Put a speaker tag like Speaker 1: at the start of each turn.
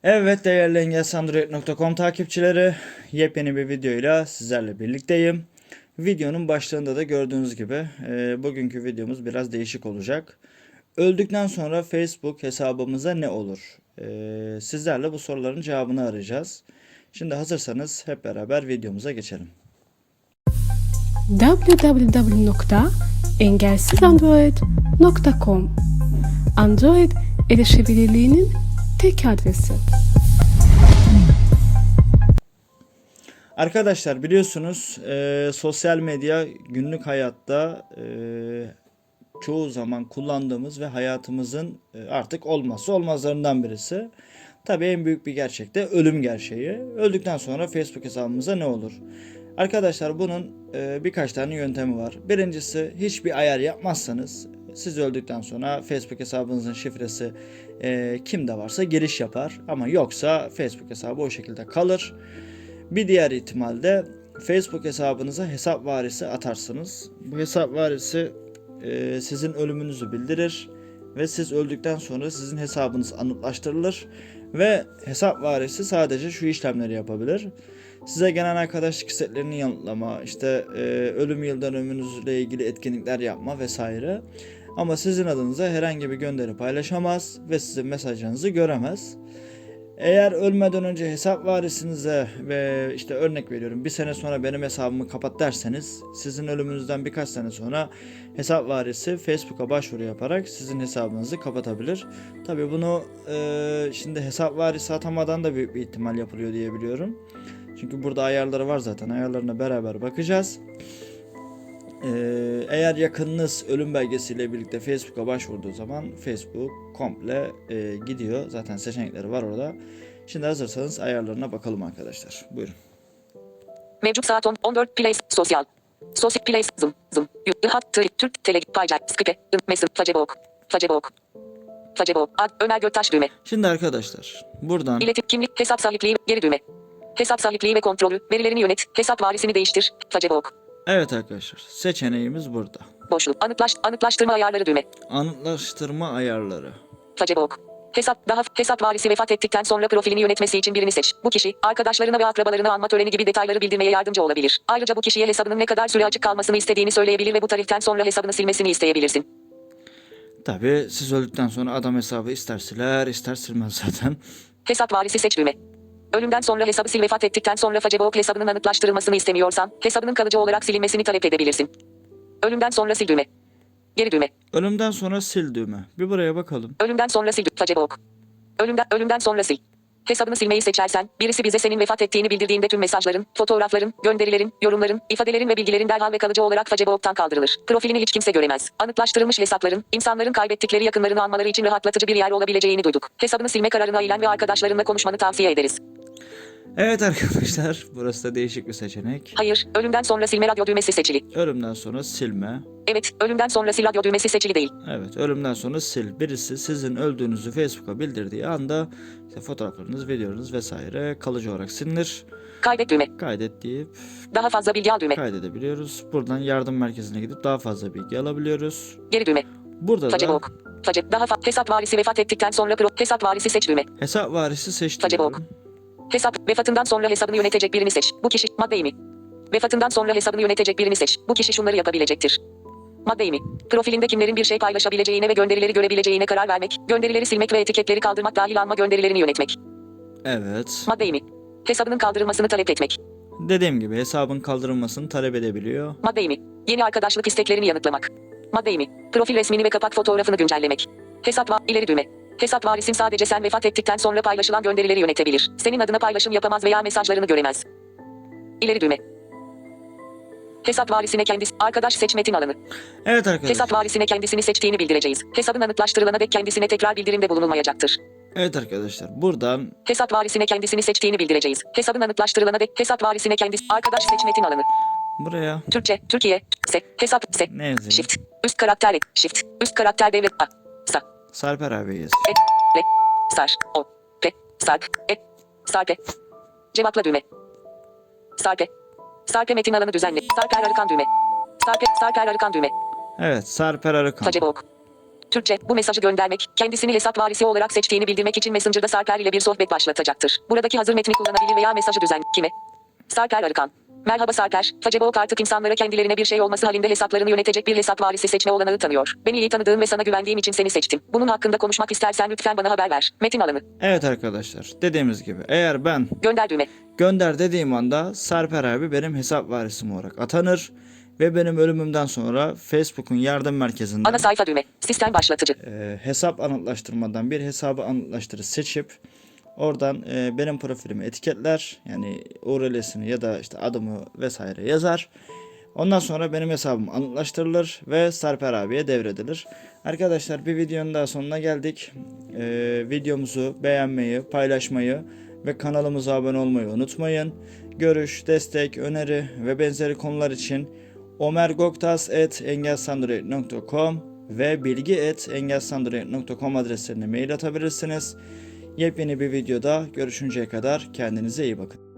Speaker 1: Evet değerli engelsandroid.com takipçileri, yepyeni bir videoyla sizlerle birlikteyim. Videonun başlığında da gördüğünüz gibi bugünkü videomuz biraz değişik olacak. Öldükten sonra Facebook hesabımıza ne olur? Sizlerle bu soruların cevabını arayacağız. Şimdi hazırsanız hep beraber videomuza geçelim.
Speaker 2: www.engelsizandroid.com Android erişebilirliğinin tek adresi.
Speaker 1: Arkadaşlar biliyorsunuz sosyal medya günlük hayatta çoğu zaman kullandığımız ve hayatımızın artık olmazsa olmazlarından birisi. Tabii en büyük bir gerçek de ölüm gerçeği. Öldükten sonra Facebook hesabımıza ne olur? Arkadaşlar bunun birkaç tane yöntemi var. Birincisi, hiçbir ayar yapmazsanız siz öldükten sonra Facebook hesabınızın şifresi kimde varsa giriş yapar. Ama yoksa Facebook hesabı o şekilde kalır. Bir diğer ihtimalde Facebook hesabınıza hesap varisi atarsınız. Bu hesap varisi sizin ölümünüzü bildirir ve siz öldükten sonra sizin hesabınız anıtlaştırılır ve hesap varisi sadece şu işlemleri yapabilir. Size gelen arkadaşlık isteklerini yanıtlama, işte ölüm yıl dönümünüzle ilgili etkinlikler yapma vesaire. Ama sizin adınıza herhangi bir gönderi paylaşamaz ve sizin mesajlarınızı göremez. Eğer ölmeden önce hesap varisinize ve işte örnek veriyorum bir sene sonra benim hesabımı kapat derseniz, sizin ölümünüzden birkaç sene sonra hesap varisi Facebook'a başvuru yaparak sizin hesabınızı kapatabilir. Tabii bunu şimdi hesap varisi atamadan da büyük bir ihtimal yapılıyor diye biliyorum. Çünkü burada ayarları var zaten, ayarlarına beraber bakacağız. Eğer yakınınız ölüm belgesiyle birlikte Facebook'a başvurduğu zaman Facebook komple gidiyor. Zaten seçenekleri var orada. Şimdi hazırsanız ayarlarına bakalım arkadaşlar. Buyurun.
Speaker 3: Mevcut saat 14 Play sosyal. Sosyal Play zım. Hat Türk Tele Payca Skype Mesut Facebook. Ömer Göktaş düğme.
Speaker 1: Şimdi arkadaşlar buradan
Speaker 3: İletim kimlik hesap sahipliği geri düğme. Hesap sahipliği ve kontrolü verilerini yönet. Hesap varisini değiştir. Facebook.
Speaker 1: evet arkadaşlar, seçeneğimiz burada.
Speaker 3: Boşluk. Anıtlaştırma ayarları düğme.
Speaker 1: Anıtlaştırma ayarları.
Speaker 3: Facebook. Hesap varisi vefat ettikten sonra profilini yönetmesi için birini seç. Bu kişi, arkadaşlarına ve akrabalarını anma töreni gibi detayları bildirmeye yardımcı olabilir. Ayrıca bu kişiye hesabının ne kadar süre açık kalmasını istediğini söyleyebilir ve bu tarihten sonra hesabını silmesini isteyebilirsin.
Speaker 1: Tabii siz öldükten sonra adam hesabı ister siler ister silmez zaten.
Speaker 3: Hesap varisi seç düğme. Ölümden sonra hesabı sil. Vefat ettikten sonra Facebook hesabının anıtlaştırılmasını istemiyorsan, hesabının kalıcı olarak silinmesini talep edebilirsin. Ölümden sonra sil düğme. Geri düğme.
Speaker 1: Ölümden sonra sil düğme. Bir buraya bakalım.
Speaker 3: Ölümden sonra sil. Facebook. Ölümden sonra sil. Hesabını silmeyi seçersen, birisi bize senin vefat ettiğini bildirdiğinde tüm mesajların, fotoğrafların, gönderilerin, yorumların, ifadelerin ve bilgilerin derhal ve kalıcı olarak Facebook'tan kaldırılır. Profilini hiç kimse göremez. Anıtlaştırılmış hesapların, insanların kaybettikleri yakınlarını anmaları için rahatlatıcı bir yer olabileceğini duyduk. Hesabını silme kararını ailen ve arkadaşlarınla konuşmanı tavsiye ederiz.
Speaker 1: Evet arkadaşlar, burası da değişik bir seçenek.
Speaker 3: Hayır, ölümden sonra silme radyo düğmesi seçili.
Speaker 1: Ölümden sonra silme.
Speaker 3: Evet, ölümden sonra sil radyo düğmesi seçili değil.
Speaker 1: Evet, ölümden sonra sil. Birisi sizin öldüğünüzü Facebook'a bildirdiği anda işte fotoğraflarınız, videolarınız vesaire kalıcı olarak silinir.
Speaker 3: Kaydet düğme.
Speaker 1: Kaydet deyip
Speaker 3: Daha fazla bilgi al düğme.
Speaker 1: kaydedebiliyoruz. Buradan yardım merkezine gidip daha fazla bilgi alabiliyoruz.
Speaker 3: Geri düğme.
Speaker 1: Burada da
Speaker 3: Facebook. Hesap varisi vefat ettikten sonra hesap varisi seç düğme.
Speaker 1: hesap varisi seçtim.
Speaker 3: Facebook. Vefatından sonra hesabını yönetecek birini seç. Bu kişi maddeyi mi? Vefatından sonra hesabını yönetecek birini seç. Bu kişi şunları yapabilecektir. Maddeyi mi? Profilinde kimlerin bir şey paylaşabileceğine ve gönderileri görebileceğine karar vermek, gönderileri silmek ve etiketleri kaldırmak dahil alma gönderilerini yönetmek.
Speaker 1: Evet.
Speaker 3: Maddeyi mi? Hesabının kaldırılmasını talep etmek.
Speaker 1: Dediğim gibi hesabın kaldırılmasını talep edebiliyor.
Speaker 3: Maddeyi mi? Yeni arkadaşlık isteklerini yanıtlamak. Maddeyi mi? Profil resmini ve kapak fotoğrafını güncellemek. İleri düğme. Hesap varisin sadece sen vefat ettikten sonra paylaşılan gönderileri yönetebilir. Senin adına paylaşım yapamaz veya mesajlarını göremez. İleri düğme. Hesap varisine arkadaş seç metin alanı.
Speaker 1: Evet arkadaşlar.
Speaker 3: Hesap varisine kendisini seçtiğini bildireceğiz. Hesabın anıtlaştırılana dek kendisine tekrar bildirimde bulunulmayacaktır.
Speaker 1: Evet arkadaşlar, buradan
Speaker 3: Hesap varisine kendisini seçtiğini bildireceğiz. Hesabın anıtlaştırılana dek hesap varisine arkadaş seç metin alanı.
Speaker 1: buraya
Speaker 3: Türkçe, Türkiye, hesap,
Speaker 1: ne yazayım?
Speaker 3: shift, üst karakter, shift, üst karakter devlet,
Speaker 1: Sarper abi yaz.
Speaker 3: Sar, o, pe, sarp, sarpe, cevapla düğme. Sarpe metin alanı düzenle. Sarper Arıkan düğme. Sarper Arıkan düğme.
Speaker 1: Evet, Sarper Arıkan.
Speaker 3: Facebook. Türkçe, bu mesajı göndermek, kendisini hesap varisi olarak seçtiğini bildirmek için Messenger'da Sarper ile bir sohbet başlatacaktır. Buradaki hazır metni kullanabilir veya mesajı kime? Sarper Arıkan. Merhaba Sarper, Facebook artık insanlara kendilerine bir şey olması halinde hesaplarını yönetecek bir hesap varisi seçme olanağı tanıyor. Beni iyi tanıdığım ve sana güvendiğim için seni seçtim. Bunun hakkında konuşmak istersen lütfen bana haber ver. Metin alanı.
Speaker 1: Evet arkadaşlar, dediğimiz gibi eğer ben
Speaker 3: Gönder düğme.
Speaker 1: gönder dediğim anda Sarper abi benim hesap varisim olarak atanır ve benim ölümümden sonra Facebook'un yardım merkezinden
Speaker 3: Ana sayfa düğme. Sistem başlatıcı.
Speaker 1: hesap anıtlaştırmadan bir hesabı anıtlaştırı seçip oradan benim profilimi etiketler, yani URL'sini ya da işte adımı vesaire yazar. Ondan sonra benim hesabım anıtlaştırılır ve Sarper abiye devredilir. Arkadaşlar, bir videonun daha sonuna geldik. Videomuzu beğenmeyi, paylaşmayı ve kanalımıza abone olmayı unutmayın. Görüş, destek, öneri ve benzeri konular için omergoktas@engelsandroid.com ve bilgi@engelsandroid.com adreslerine mail atabilirsiniz. Yepyeni bir videoda görüşünceye kadar kendinize iyi bakın.